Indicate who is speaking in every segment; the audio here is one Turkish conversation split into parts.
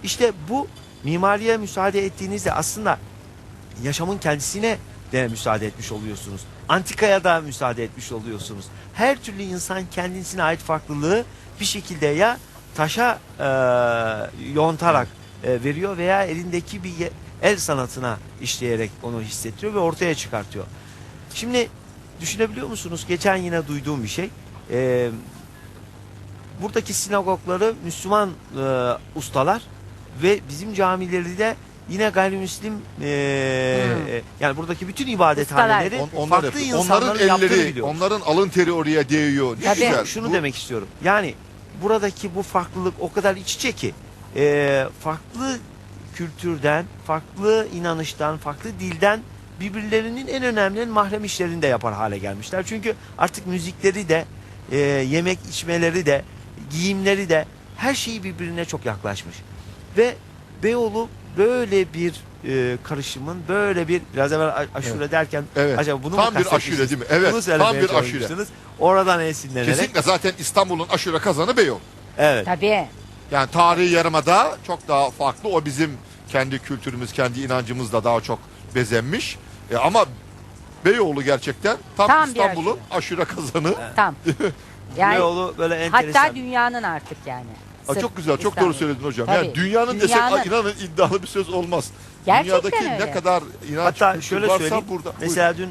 Speaker 1: İşte bu mimariye müsaade ettiğinizde aslında yaşamın kendisine de müsaade etmiş oluyorsunuz. Antikaya da müsaade etmiş oluyorsunuz. Her türlü insan kendisine ait farklılığı bir şekilde ya taşa yontarak veriyor veya elindeki bir el sanatına işleyerek onu hissettiriyor ve ortaya çıkartıyor. Şimdi düşünebiliyor musunuz? Geçen yine duyduğum bir şey. Buradaki sinagogları Müslüman ustalar ve bizim camileri de yine gayrimüslim yani buradaki bütün ibadethaneleri farklı insanların yaptığını biliyoruz.
Speaker 2: Onların alın teri oraya değiyor. Ne güzel.
Speaker 1: Şunu demek istiyorum. Yani buradaki bu farklılık o kadar iç içe ki farklı kültürden, farklı inanıştan, farklı dilden birbirlerinin en önemli mahrem işlerini de yapar hale gelmişler. Çünkü artık müzikleri de, yemek içmeleri de, giyimleri de her şeyi birbirine çok yaklaşmış. Ve Beyoğlu böyle bir karışımın, böyle bir biraz evvel aşure derken acaba bunu
Speaker 2: tam
Speaker 1: mu
Speaker 2: bir aşure değil mi? Evet.
Speaker 1: Bunu
Speaker 2: Tam bir aşure.
Speaker 1: Oradan esinlenerek.
Speaker 2: Kesinlikle zaten İstanbul'un aşure kazanı Beyoğlu.
Speaker 1: Evet.
Speaker 3: Tabii.
Speaker 2: Yani tarihi yarımada çok daha farklı. O bizim kendi kültürümüz, kendi inancımızla daha çok bezenmiş. Ama Beyoğlu gerçekten tam İstanbul'un aşure kazanı.
Speaker 1: Evet.
Speaker 3: Tam. Yani
Speaker 1: Beyoğlu böyle enteresan.
Speaker 3: hatta dünyanın artık yani.
Speaker 2: Çok güzel, çok
Speaker 3: İstanbul.
Speaker 2: doğru söyledin hocam.
Speaker 3: Tabii.
Speaker 2: Yani dünyanın desek inanın iddialı bir söz olmaz.
Speaker 3: Gerçekten
Speaker 2: Dünyadaki
Speaker 3: öyle.
Speaker 2: ne kadar inanç
Speaker 1: Hatta
Speaker 2: kültür
Speaker 1: şöyle
Speaker 2: varsa
Speaker 1: söyleyeyim.
Speaker 2: burada.
Speaker 1: Mesela dün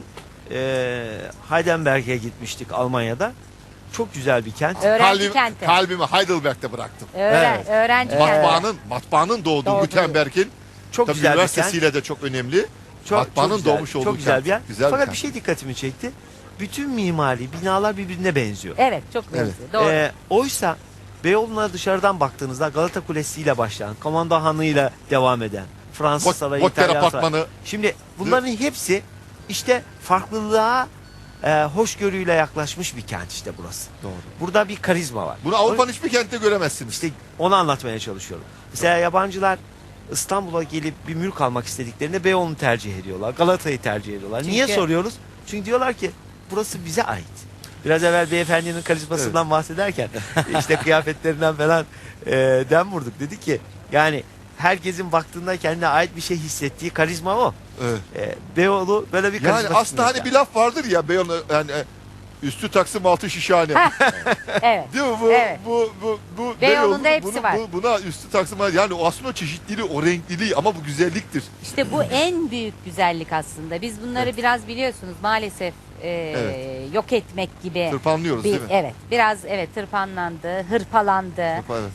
Speaker 1: Heidelberg'e gitmiştik Almanya'da. Çok güzel bir kent.
Speaker 3: Öğrenci kenti.
Speaker 2: Kalbimi Heidelberg'te bıraktım.
Speaker 1: Evet.
Speaker 3: Öğrenci kenti.
Speaker 2: Matbaanın doğduğu Gutenberg'in
Speaker 1: Çok güzel bir kent.
Speaker 2: üniversitesiyle de çok önemli. Matbaanın
Speaker 1: güzel,
Speaker 2: doğmuş olduğu
Speaker 1: çok güzel bir yer.
Speaker 2: Güzel
Speaker 1: Fakat
Speaker 2: bir
Speaker 1: bir şey dikkatimi çekti. Bütün mimari binalar birbirine benziyor.
Speaker 3: Evet, çok benziyor. Doğru.
Speaker 1: Oysa Beyoğlu'na dışarıdan baktığınızda Galata Kulesi ile başlayan, Komando Hanı ile devam eden, Fransız Sarayı,
Speaker 2: Botter
Speaker 1: İtalyan
Speaker 2: Apartmanı.
Speaker 1: Sarayı. Şimdi bunların hepsi işte farklılığa hoşgörüyle yaklaşmış bir kent işte burası.
Speaker 2: Doğru.
Speaker 1: Burada bir karizma var.
Speaker 2: Bunu Avrupa'nın hiçbir kentte göremezsiniz.
Speaker 1: İşte onu anlatmaya çalışıyorum. Mesela yabancılar İstanbul'a gelip bir mülk almak istediklerinde Beyoğlu'nu tercih ediyorlar. Galata'yı tercih ediyorlar. Niye soruyoruz? Çünkü diyorlar ki burası bize ait. Biraz evvel beyefendinin karizmasından bahsederken işte kıyafetlerinden falan dem vurduk. Dedi ki yani herkesin baktığında kendine ait bir şey hissettiği karizma o.
Speaker 2: Evet.
Speaker 1: Beyoğlu böyle bir karizma.
Speaker 2: Yani aslında hani bir laf vardır ya Beyoğlu yani üstü Taksim altı şişhane.
Speaker 3: Evet.
Speaker 2: Değil mi?
Speaker 3: Evet.
Speaker 2: Bu
Speaker 3: Beyoğlu'nda
Speaker 2: Beyoğlu,
Speaker 3: hepsi var.
Speaker 2: Buna üstü Taksim yani o aslında o çeşitliliği, o renkliliği ama bu güzelliktir.
Speaker 3: İşte bu en büyük güzellik aslında. Biz bunları biraz biliyorsunuz maalesef yok etmek gibi.
Speaker 2: Tırpanlıyoruz değil mi?
Speaker 3: Evet. Biraz tırpanlandı, hırpalandı.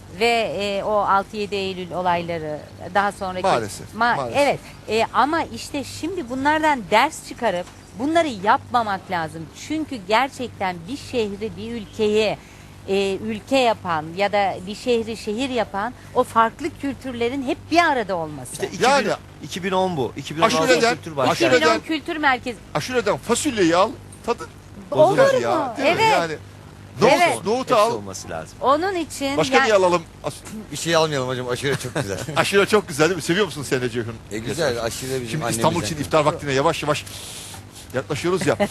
Speaker 3: Ve o 6-7 Eylül olayları daha sonraki.
Speaker 2: Maalesef.
Speaker 3: Evet. Ama işte şimdi bunlardan ders çıkarıp bunları yapmamak lazım. Çünkü gerçekten bir şehri, bir ülkeyi ülke yapan ya da bir şehri şehir yapan o farklı kültürlerin hep bir arada olması.
Speaker 1: İşte 2010 bu. 2016
Speaker 2: Aşureden-
Speaker 1: Kültür Başkanı.
Speaker 2: aşureden-
Speaker 3: 2010 Kültür Merkezi.
Speaker 2: Aşureden fasulyeyi al, tadı
Speaker 3: Olur
Speaker 2: bozulur
Speaker 3: mu?
Speaker 2: ya. Değil mi?
Speaker 3: Evet.
Speaker 2: Yani
Speaker 3: Evet.
Speaker 2: nohutu
Speaker 1: Hepsi
Speaker 2: al.
Speaker 1: olması lazım.
Speaker 3: Onun için
Speaker 2: Başka niye alalım?
Speaker 4: Bir şey almayalım hocam, aşure çok güzel.
Speaker 2: Aşure çok güzel değil mi? Seviyor musun sen de Ceyhun?
Speaker 4: Güzel, aşure bizim
Speaker 2: Şimdi
Speaker 4: annemizden.
Speaker 2: İstanbul için iftar vaktine yavaş yavaş yaklaşıyoruz ya.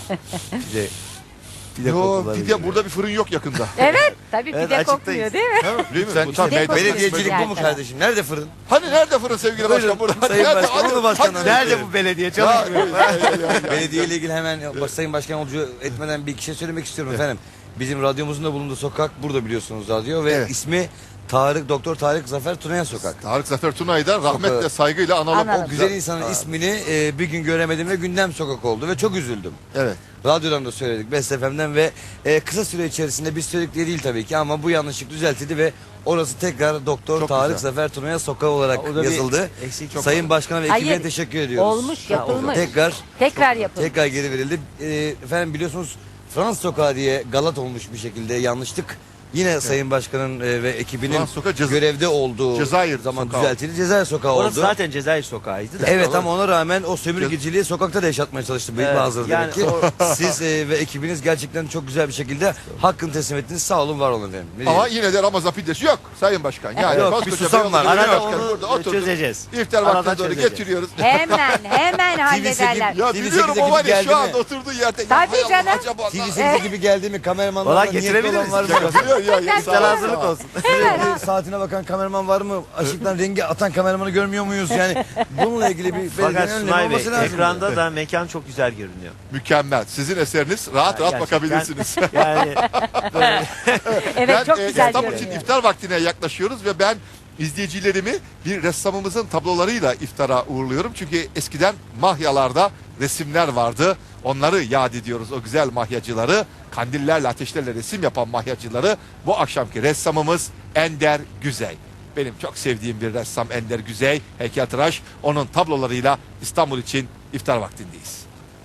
Speaker 1: Pide
Speaker 2: Yo,
Speaker 1: kokuları
Speaker 2: pide
Speaker 1: geliyor.
Speaker 2: burada bir fırın yok yakında.
Speaker 3: evet tabii
Speaker 1: Evet,
Speaker 3: pide
Speaker 1: açıktayız.
Speaker 3: kokmuyor değil mi?
Speaker 2: Değil mi?
Speaker 4: Sen,
Speaker 2: Bu tam
Speaker 3: pide
Speaker 2: medya-
Speaker 4: belediyecilik bu mu
Speaker 3: Gerçekten.
Speaker 4: kardeşim? Nerede fırın?
Speaker 2: Hani nerede fırın sevgili başkan burada?
Speaker 1: Sayın
Speaker 2: Nerede?
Speaker 1: Başkan,
Speaker 2: Hadi-
Speaker 1: onu başkanım.
Speaker 2: hadi-
Speaker 1: Nerede bu belediye çalışmıyor?
Speaker 4: Belediye ile ilgili hemen Sayın Başkan Olucu etmeden bir iki şey söylemek istiyorum efendim. Bizim radyomuzun da bulunduğu sokak burada biliyorsunuz radyo ve
Speaker 2: Evet.
Speaker 4: ismi Doktor Tarık Zafer Tunayan Sokak.
Speaker 2: Tarık Zafer Tuna'yı da rahmetle
Speaker 4: Sokağı-
Speaker 2: saygıyla analım.
Speaker 3: Analım.
Speaker 2: O
Speaker 4: Güzel insanın ismini bir gün göremedim ve gündem sokak oldu ve çok üzüldüm.
Speaker 2: Evet.
Speaker 4: Radyodan da söyledik, Best FM'den ve kısa süre içerisinde biz söyledik diye değil tabii ki ama bu yanlışlık düzeltildi ve orası tekrar Doktor
Speaker 2: Çok
Speaker 4: Tarık
Speaker 2: güzel.
Speaker 4: Zafer Tunayan Sokağı olarak
Speaker 1: O da bir
Speaker 4: yazıldı.
Speaker 1: eksik çok
Speaker 4: Sayın Başkan'a ve ekibine
Speaker 3: Hayır,
Speaker 4: teşekkür ediyoruz.
Speaker 3: olmuş, yapılmış.
Speaker 4: Tekrar
Speaker 3: yapılmış.
Speaker 4: geri verildi. Efendim biliyorsunuz Fransız Sokağı diye galat olmuş bir şekilde yanlışlık. Yine Sayın Başkan'ın ve ekibinin
Speaker 2: Fransız Sokağı
Speaker 4: görevde olduğu
Speaker 2: Cezayir
Speaker 4: zaman
Speaker 2: Sokağı.
Speaker 4: düzeltildi. Cezayir Sokağı oldu.
Speaker 1: Orası zaten Cezayir Sokağı'ydı da.
Speaker 4: Evet ama ona rağmen o sömürgeciliği sokakta da yaşatmaya çalıştı büyük
Speaker 1: Evet,
Speaker 4: bazıları
Speaker 1: yani
Speaker 4: demek ki. Siz ve ekibiniz gerçekten çok güzel bir şekilde hakkını teslim ettiniz. Sağ olun, var olun efendim. Ne
Speaker 2: Ama
Speaker 4: diyeyim?
Speaker 2: yine de Ramazan pidesi yok Sayın Başkan. Yani
Speaker 4: Yok,
Speaker 2: koskoca
Speaker 4: bir susam var.
Speaker 2: Beyoğlu Belediye
Speaker 1: Arada
Speaker 2: Başkanı
Speaker 1: onu
Speaker 2: burada oturdu.
Speaker 1: çözeceğiz.
Speaker 2: İftar
Speaker 1: Arada
Speaker 2: vaktine doğru
Speaker 1: çözeceğiz.
Speaker 2: getiriyoruz.
Speaker 3: Hemen hallederler.
Speaker 2: Ya
Speaker 4: TV8'e
Speaker 2: biliyorum
Speaker 4: gibi
Speaker 2: o var ya
Speaker 4: geldi
Speaker 2: şu
Speaker 4: mi?
Speaker 2: anda oturduğu yerde.
Speaker 3: Tabii
Speaker 2: Ya hay Allah,
Speaker 3: canım.
Speaker 2: acaba
Speaker 4: TV8 gibi geldi mi kameramanlar
Speaker 1: Valla
Speaker 4: niyetli
Speaker 1: getirebiliriz.
Speaker 4: olan var mı?
Speaker 2: ya,
Speaker 1: İftar
Speaker 2: sağ ol.
Speaker 1: hazırlık olsun.
Speaker 4: Sürekli saatine bakan kameraman var mı? Işıktan rengi atan kameramanı görmüyor muyuz? Yani bununla ilgili bir
Speaker 1: Fakat
Speaker 4: belirlenen önlem
Speaker 1: Sunay Bey,
Speaker 4: olması lazım.
Speaker 1: ekranda da mekan çok güzel görünüyor.
Speaker 2: Mükemmel. Sizin eseriniz. Rahat rahat
Speaker 1: Gerçekten.
Speaker 2: bakabilirsiniz.
Speaker 1: Yani böyle
Speaker 3: Evet, çok
Speaker 2: Ben
Speaker 3: güzel
Speaker 2: İstanbul için
Speaker 3: görünüyor.
Speaker 2: iftar vaktine yaklaşıyoruz ve ben izleyicilerimi bir ressamımızın tablolarıyla iftara uğurluyorum. Çünkü eskiden mahyalarda resimler vardı. Onları yad ediyoruz, o güzel mahyacıları. Kandillerle, ateşlerle resim yapan mahyacıları. Bu akşamki ressamımız Ender Güzey. Benim çok sevdiğim bir ressam Ender Güzey, heykeltıraş. Onun tablolarıyla İstanbul için iftar vaktindeyiz.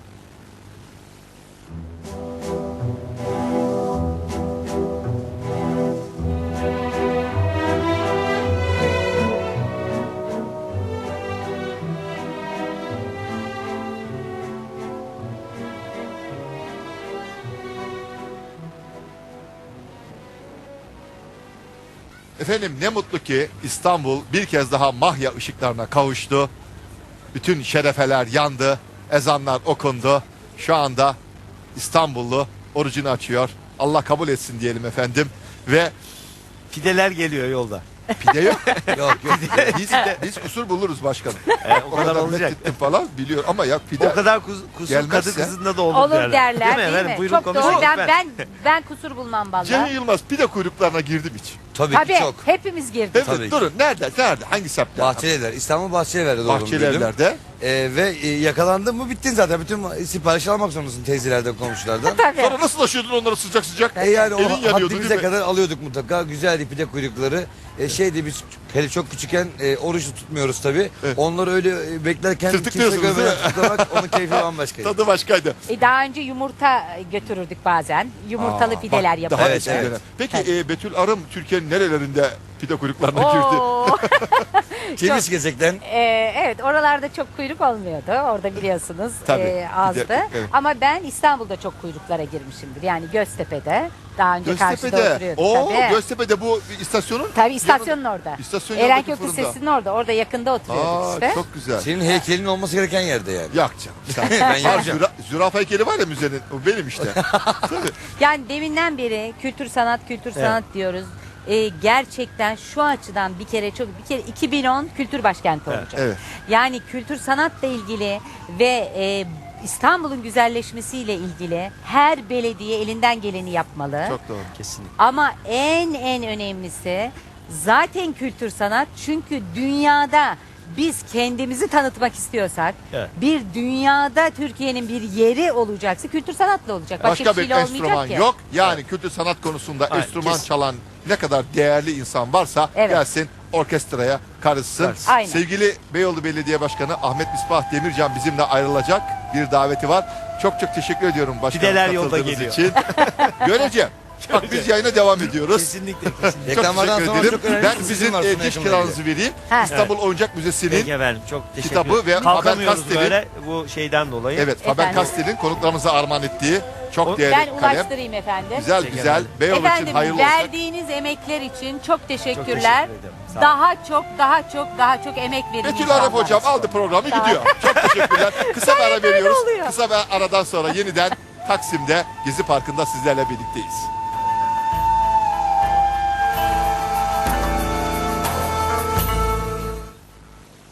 Speaker 2: Efendim ne mutlu ki İstanbul bir kez daha mahya ışıklarına kavuştu. Bütün şerefeler yandı, ezanlar okundu. Şu anda İstanbullu orucunu açıyor. Allah kabul etsin diyelim efendim. Ve
Speaker 1: pideler geliyor yolda.
Speaker 2: pide yok.
Speaker 4: Yok yok.
Speaker 2: Biz kusur buluruz başkanım.
Speaker 1: O kadar olacak.
Speaker 2: methettim falan biliyor ama ya pide.
Speaker 1: O kadar kusur
Speaker 2: Gelmezse-
Speaker 1: kadı kızında da olur,
Speaker 3: Olur derler değil
Speaker 1: Efendim,
Speaker 3: mi?
Speaker 1: buyurun
Speaker 3: Çok
Speaker 1: konuşun.
Speaker 3: doğru. Ben kusur bulmam
Speaker 2: Cem
Speaker 3: vallahi.
Speaker 2: Yılmaz pide kuyruklarına girdim hiç.
Speaker 4: Tabii
Speaker 3: Tabii
Speaker 4: ki çok.
Speaker 3: hepimiz girdik.
Speaker 2: Evet
Speaker 4: Tabii ki.
Speaker 2: durun nerede hangi semtte?
Speaker 4: Bahçelievler. İstanbul Bahçelievler'de doğdum büyüdüm.
Speaker 2: Bahçelievler'de.
Speaker 4: Ve yakalandın mı bittin zaten. Bütün sipariş almak zorundasın teyzelerden, komşulardan.
Speaker 3: Tabii.
Speaker 2: Sonra nasıl taşıyordun onları sıcak sıcak?
Speaker 4: Yani o
Speaker 2: Elin yanıyordu
Speaker 4: haddimize
Speaker 2: değil mi?
Speaker 4: kadar alıyorduk mutlaka. Güzeldi pide kuyrukları. Şeydi biz hele çok küçükken oruç tutmuyoruz tabii.
Speaker 2: Evet.
Speaker 4: Onları öyle beklerken kimse
Speaker 2: Tırtıklıyorsunuz değil
Speaker 4: görmeden
Speaker 2: mi?
Speaker 4: tutlamak onun keyfi bambaşkaydı.
Speaker 2: Tadı başkaydı.
Speaker 3: Daha önce yumurta götürürdük bazen. Yumurtalı pideler
Speaker 2: Bak,
Speaker 3: yapıyorduk.
Speaker 2: daha
Speaker 4: Evet,
Speaker 2: eskiden.
Speaker 4: evet.
Speaker 2: Peki Betül Arım Türkiye'nin nerelerinde pide kuyruklarına girdi?
Speaker 3: Oo.
Speaker 4: Ceviz gezekten
Speaker 3: Evet, oralarda çok kuyruk olmuyordu. Orada biliyorsunuz
Speaker 2: Tabii,
Speaker 3: azdı.
Speaker 2: bir de- evet.
Speaker 3: Ama ben İstanbul'da çok kuyruklara girmişimdir. Yani Göztepe'de. Daha önce karşıda
Speaker 2: Göztepe'de.
Speaker 3: oturuyorduk.
Speaker 2: Oo,
Speaker 3: Tabii.
Speaker 2: Göztepe'de bu istasyonun.
Speaker 3: Tabii istasyonun orada.
Speaker 2: İstasyon
Speaker 3: Erenköy
Speaker 2: yanındaki fırında.
Speaker 3: Lisesi'nin orada. Orada yakında oturuyorduk
Speaker 2: Aa,
Speaker 3: işte.
Speaker 2: çok güzel.
Speaker 4: senin heykelin olması gereken yerde yani.
Speaker 2: Yak canım. Sen.
Speaker 4: Ben
Speaker 2: Var,
Speaker 4: yapacağım.
Speaker 2: zürafa heykeli var ya müzenin. O benim işte. Tabii.
Speaker 3: Yani deminden beri kültür sanat diyoruz. Gerçekten şu açıdan bir kere 2010 kültür başkenti olacak.
Speaker 2: Evet.
Speaker 3: Yani kültür sanatla ilgili ve İstanbul'un güzelleşmesiyle ilgili her belediye elinden geleni yapmalı.
Speaker 2: Çok doğru.
Speaker 1: Kesinlikle.
Speaker 3: Ama en önemlisi zaten kültür sanat, çünkü dünyada biz kendimizi tanıtmak istiyorsak,
Speaker 1: Evet.
Speaker 3: bir dünyada Türkiye'nin bir yeri olacaksa kültür sanatla olacak. Başka,
Speaker 2: Başka
Speaker 3: bir
Speaker 2: bir
Speaker 3: şeyle olmayacak
Speaker 2: enstrüman
Speaker 3: ki.
Speaker 2: yok. Yani kültür sanat konusunda
Speaker 1: Aynen,
Speaker 2: enstrüman
Speaker 1: kesin.
Speaker 2: çalan ne kadar değerli insan varsa
Speaker 3: Evet.
Speaker 2: gelsin orkestraya karışsın.
Speaker 1: Karışsın.
Speaker 3: Aynen.
Speaker 2: Sevgili Beyoğlu Belediye Başkanı Ahmet Misbah Demircan bizimle ayrılacak, bir daveti var. Çok teşekkür ediyorum başkanım
Speaker 1: Pideler yolda
Speaker 2: katıldığınız
Speaker 1: geliyor.
Speaker 2: için. Göreceğim. Bak biz yayına devam ediyoruz.
Speaker 1: Kesinlikle. kesinlikle.
Speaker 2: Çok
Speaker 4: Reklamlardan
Speaker 2: teşekkür
Speaker 4: sonra
Speaker 2: ederim.
Speaker 4: çok önemli
Speaker 2: Ben
Speaker 4: bir
Speaker 2: sizin
Speaker 4: sizin var Sunay
Speaker 2: diş
Speaker 4: Yakın'la
Speaker 2: kiranızı vereyim.
Speaker 3: Ha.
Speaker 2: İstanbul Oyuncak Müzesi'nin
Speaker 1: Peki efendim, çok teşekkür
Speaker 2: kitabı
Speaker 1: ederim.
Speaker 2: ve
Speaker 1: Kalkamıyoruz
Speaker 2: Faber-Castell'in
Speaker 1: böyle bu şeyden dolayı.
Speaker 2: evet Faber
Speaker 3: Efendim?
Speaker 2: Castell'in konuklarımıza armağan ettiği çok
Speaker 1: O-
Speaker 2: değerli
Speaker 3: Ben
Speaker 2: kalem.
Speaker 3: ulaştırayım efendim.
Speaker 2: Güzel
Speaker 1: Teşekkür
Speaker 2: güzel.
Speaker 1: ederim.
Speaker 2: Beyoğlu için
Speaker 3: Efendim,
Speaker 2: hayırlı olsun.
Speaker 3: verdiğiniz emekler için çok teşekkürler.
Speaker 1: teşekkür ederim. Sağ olun.
Speaker 3: Daha çok emek verin
Speaker 2: Betül
Speaker 3: inşallah.
Speaker 2: Arap hocam aldı programı
Speaker 3: Sağ ol.
Speaker 2: gidiyor. Çok teşekkürler. Kısa bir ara veriyoruz.
Speaker 3: oluyor.
Speaker 2: Kısa bir aradan sonra yeniden Taksim'de Gezi Parkı'nda sizlerle birlikteyiz.